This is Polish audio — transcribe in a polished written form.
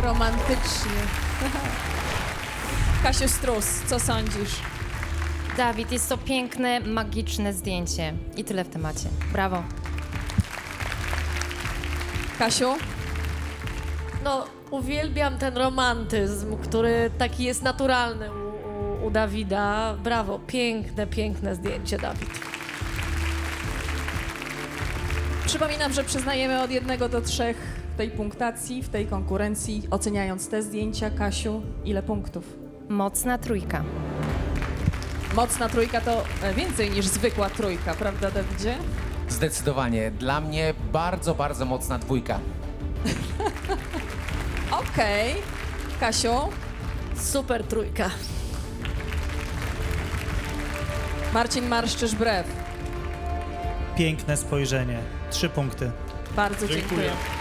romantycznie. Kasiu Strus, co sądzisz? Dawid, jest to piękne, magiczne zdjęcie. I tyle w temacie. Brawo. Kasiu? No, uwielbiam ten romantyzm, który taki jest naturalny u Dawida. Brawo, piękne, piękne zdjęcie, Dawid. Przypominam, że przyznajemy od 1 do 3 w tej punktacji, w tej konkurencji. Oceniając te zdjęcia, Kasiu, ile punktów? Mocna trójka. Mocna trójka to więcej niż zwykła trójka, prawda, Dawidzie? Zdecydowanie. Dla mnie bardzo, bardzo mocna 2. Okej. Kasiu? Super trójka. Marcin Marszczysz-Brew. Piękne spojrzenie. 3 punkty. Bardzo dziękuję.